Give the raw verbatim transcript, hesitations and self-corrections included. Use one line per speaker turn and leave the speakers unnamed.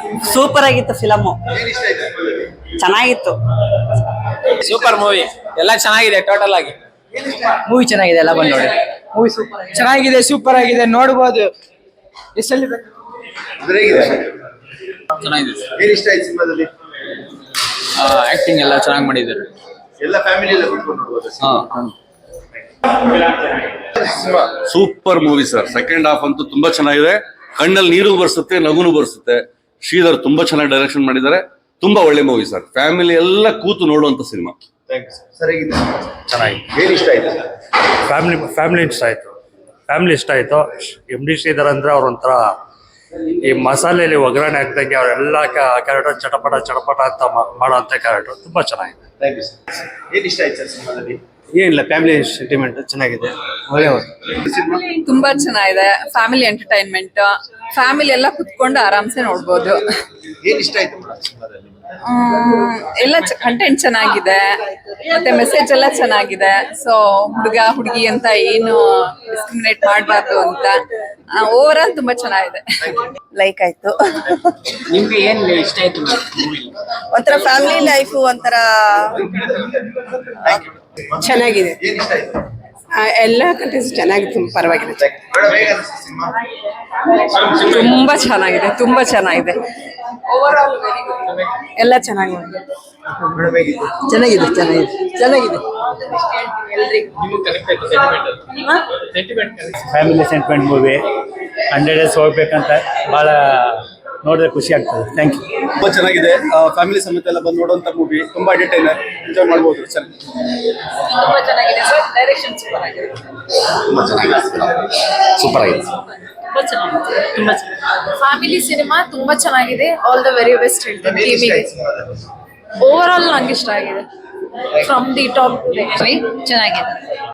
Super ಆಗಿತ್ತು film, ಚೆನ್ನಾಗಿತ್ತು.
Super movie, ಎಲ್ಲ ಚೆನ್ನಾಗಿದೆ. ಟೋಟಲ್ ಆಗಿ
ಮೂವಿ ಚೆನ್ನಾಗಿದೆ, ಎಲ್ಲ ಬಂದು ನೋಡಿ. ಮೂವಿ ಸೂಪರ್ ಚೆನ್ನಾಗಿದೆ, ಸೂಪರ್ ಆಗಿದೆ, ನೋಡ್ಬೋದು. ಎಷ್ಟಲ್ಲಿ
ಚೆನ್ನಾಗಿದೆ.
ಏನ್ ಇಷ್ಟ ಆಯ್ತು ಸಿನಿಮಾದಲ್ಲಿ?
ಆಕ್ಟಿಂಗ್ ಎಲ್ಲ ಚೆನ್ನಾಗಿ ಮಾಡಿದ್ದಾರೆ.
ಎಲ್ಲ ಫ್ಯಾಮಿಲಿ ಎಲ್ಲ ಕೂತ್ಕೊಂಡು ನೋಡ್ಬೋದು.
Super movie sir. Second half ಅಂತೂ ತುಂಬಾ ಚೆನ್ನಾಗಿದೆ. ಕಣ್ಣಲ್ಲಿ ನೀರು ಬರ್ಸುತ್ತೆ, ನಗುನು ಬರ್ಸುತ್ತೆ. ಶ್ರೀಧರ್ ತುಂಬಾ ಚೆನ್ನಾಗಿ ಡೈರೆಕ್ಷನ್ ಮಾಡಿದ್ದಾರೆ. ತುಂಬಾ ಒಳ್ಳೆ ಮೂವಿ ಸರ್. ಫ್ಯಾಮಿಲಿ ಎಲ್ಲ ಕೂತು ನೋಡುವಂತ ಸಿನಿಮಾ.
ಸರ್ ಹೇಗಿದೆ?
ಚೆನ್ನಾಗಿದೆ.
ಏನ್ ಇಷ್ಟ ಆಯ್ತು?
ಫ್ಯಾಮಿಲಿ ಫ್ಯಾಮಿಲಿ ಇಷ್ಟ ಆಯ್ತು ಫ್ಯಾಮಿಲಿ ಇಷ್ಟ ಆಯ್ತು. ಎಮ್ ಡಿ ಶ್ರೀಧರ್ ಅಂದ್ರೆ ಅವ್ರೊಂಥರ ಈ ಮಸಾಲೆಯಲ್ಲಿ ಒಗ್ಗರಣೆ ಹಾಕ್ದಂಗೆ ಅವರೆಲ್ಲ ಕ್ಯಾರೆಕ್ಟರ್ ಚಟಪಟ ಚಟಪಟ ಅಂತ ಮಾಡೋಂಥ ಕ್ಯಾರೆಕ್ಟರ್ ತುಂಬಾ ಚೆನ್ನಾಗಿದೆ.
Thank you sir. ಏನ್ ಇಷ್ಟ ಆಯ್ತು ಸರ್ ಸಿನಿಮಾದಲ್ಲಿ?
ಏನಿಲ್ಲ, ಫ್ಯಾಮಿಲಿ ಸೆಂಟಿಮೆಂಟ್ ಚೆನ್ನಾಗಿದೆ, ಒಳ್ಳೆ
ಸಿನಿಮಾ
ತುಂಬಾ ಚೆನ್ನಾಗಿದೆ. ಫ್ಯಾಮಿಲಿ ಎಂಟರ್ಟೈನ್ಮೆಂಟ್, ಫ್ಯಾಮಿಲಿ ಎಲ್ಲ ಕುತ್ಕೊಂಡು ಆರಾಮ್ಸೆ ನೋಡ್ಬೋದು.
ಏನ್ ಇಷ್ಟ ಆಯ್ತು ಸಿನಿಮಾದಲ್ಲಿ?
ಎಲ್ಲ ಕಂಟೆಂಟ್ ಚೆನ್ನಾಗಿದೆ, ಮತ್ತೆ ಮೆಸೇಜ್ ಎಲ್ಲ ಚೆನ್ನಾಗಿದೆ. ಸೊ ಹುಡುಗ ಹುಡುಗಿ ಅಂತ ಏನು ಡಿಸ್ಕ್ರಿಮಿನೇಟ್ ಮಾಡಬಾರ್ದು ಅಂತ ಓವರ್ ಆಲ್ ತುಂಬಾ ಚೆನ್ನಾಗಿದೆ.
ಲೈಕ್ ಆಯ್ತು.
ನಿಮ್ಗೆ ಏನ್ ಇಷ್ಟ ಆಯ್ತು?
ಒಂಥರ ಫ್ಯಾಮಿಲಿ ಲೈಫ್ ಒಂಥರ ಚೆನ್ನಾಗಿದೆ.
ಏನ್ ಇಷ್ಟ ಆಯ್ತು?
ಎಲ್ಲ ಕಂಟೆಂಟ್ಸ್ ಚೆನ್ನಾಗಿತ್ತು, ಪರವಾಗಿಲ್ಲ.
ಮೇಡಮ್ ಹೇಗೆ ಅನಿಸ್ತು ಸಿನಿಮಾ?
ತುಂಬಾ ಚೆನ್ನಾಗಿದೆ, ತುಂಬಾ ಚೆನ್ನಾಗಿದೆ. ಓವರ್ ಆಲ್
ಎಲ್ಲ ಚೆನ್ನಾಗಿದೆ.
ಮೇಡಮ್ ಹೇಗಿದೆ?
ಚೆನ್ನಾಗಿದೆ ಚೆನ್ನಾಗಿದೆ ಚೆನ್ನಾಗಿದೆ
family sentiment movie hundred days ಹೋಗ್ಬೇಕಂತ ಭಾಳ ನೋಡಿದ್ರೆ ಖುಷಿ ಆಗ್ತದೆ. Thank you.
ತುಂಬಾ ಚೆನ್ನಾಗಿದೆ. ಫ್ಯಾಮಿಲಿ ಸಮೇತ ಎಲ್ಲ ಬಂದು ನೋಡುವಂತ ಮೂವಿ. ತುಂಬಾ ಎಂಟರ್ಟೈನರ್, ಎಂಜಾಯ್ ಮಾಡಬಹುದು.
ತುಂಬಾ ಚೆನ್ನಾಗಿದೆ ಸರ್. ಡೈರೆಕ್ಷನ್ ಸೂಪರ್ ಆಗಿದೆ.
ತುಂಬಾ ಚೆನ್ನಾಗಿದೆ. ಸೂಪರ್ ಆಗಿದೆ.
ತುಂಬಾ ಚೆನ್ನಾಗಿದೆ. ತುಂಬಾ ಚೆನ್ನಾಗಿದೆ. ಫ್ಯಾಮಿಲಿ ಸಿನಿಮಾ ತುಂಬಾ ಚೆನ್ನಾಗಿದೆ. ಆಲ್ ದ ವೆರಿ ಬೆಸ್ಟ್ ಹೇಳ್ತೀನಿ
ಏನ್ ಇಷ್ಟ
ಟೀಮಿಗೆ.
ಆಯ್ತು ಸಿನಿಮಾದಲ್ಲಿ?
ಓವರ್ ಆಲ್ ನಂಗೆ ಇಷ್ಟ ಆಗಿದೆ. ಫ್ರಮ್ ದಿ ಟಾಪ್ ಟು ಚೆನ್ನಾಗಿದೆ.